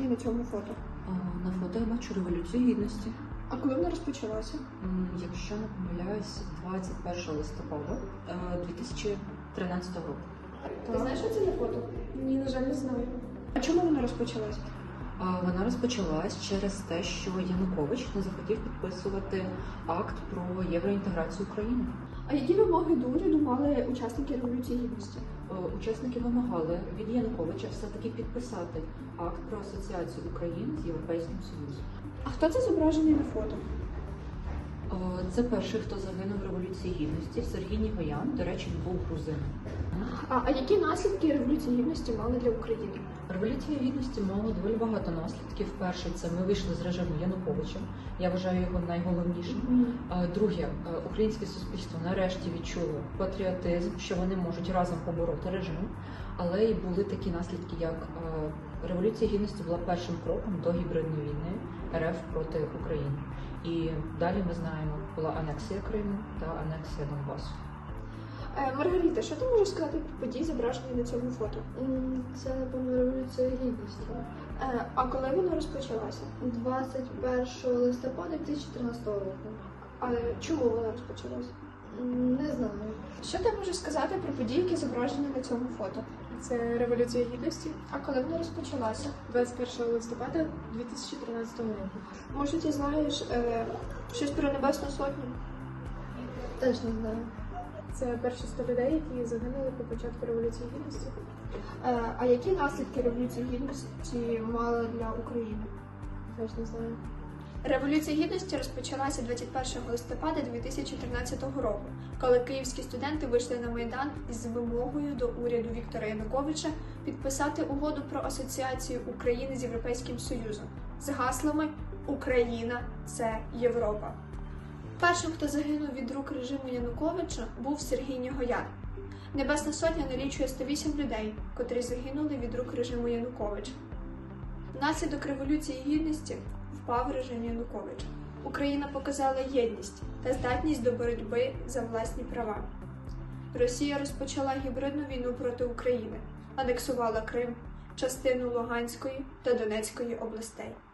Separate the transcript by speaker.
Speaker 1: на цьому фото?
Speaker 2: На фото я бачу Революцію Гідності.
Speaker 1: А коли вона розпочалася?
Speaker 2: Якщо не помиляюсь, 21 листопада 2013 року.
Speaker 1: Ти знаєш, що це за фото?
Speaker 3: Ні, на жаль, не знаю.
Speaker 1: А чому вона розпочалася?
Speaker 2: Вона розпочалась через те, що Янукович не захотів підписувати акт про євроінтеграцію України.
Speaker 1: А які вимоги до уряду мали учасники Революції Гідності?
Speaker 2: Учасники вимагали від Януковича все-таки підписати акт про асоціацію України з Європейським Союзом.
Speaker 1: А хто це зображений на фото?
Speaker 2: Це перший, хто загинув в Революції Гідності, Сергій Нігоян, до речі, був грузином.
Speaker 1: А які наслідки Революції Гідності мали для України?
Speaker 2: Революція Гідності мала доволі багато наслідків. Перший – це ми вийшли з режиму Януковича. Я вважаю його найголовнішим. Друге, українське суспільство нарешті відчуло патріотизм, що вони можуть разом побороти режим. Але й були такі наслідки, як Революція Гідності була першим кроком до гібридної війни РФ проти України. І далі ми знаємо, була анексія Криму та анексія Донбасу.
Speaker 1: Маргарита, що ти можеш сказати про події, зображені на цьому фото?
Speaker 3: Це, напевно, Революція Гідності.
Speaker 1: А коли вона розпочалася?
Speaker 3: 21 листопада 2013 року.
Speaker 1: А чому вона розпочалася?
Speaker 3: Не знаю.
Speaker 1: Що ти можеш сказати про події, які зображені на цьому фото?
Speaker 4: Це Революція Гідності
Speaker 1: А коли вона розпочалася?
Speaker 4: 21 листопада 2013 року.
Speaker 1: Може, ти знаєш щось про Небесну Сотню?
Speaker 3: Теж не знаю.
Speaker 4: Це перші 100 людей, які загинули по початку Революції Гідності.
Speaker 1: А які наслідки Революції Гідності мала для України?
Speaker 4: Теж не знаю.
Speaker 1: Революція Гідності розпочалася 21 листопада 2013 року, коли київські студенти вийшли на Майдан із вимогою до уряду Віктора Януковича підписати угоду про асоціацію України з Європейським Союзом з гаслами «Україна – це Європа». Першим, хто загинув від рук режиму Януковича, був Сергій Нігоян. Небесна Сотня налічує 108 людей, котрі загинули від рук режиму Януковича. Внаслідок Революції Гідності впав режим Януковича. Україна показала єдність та здатність до боротьби за власні права. Росія розпочала гібридну війну проти України, анексувала Крим, частину Луганської та Донецької областей.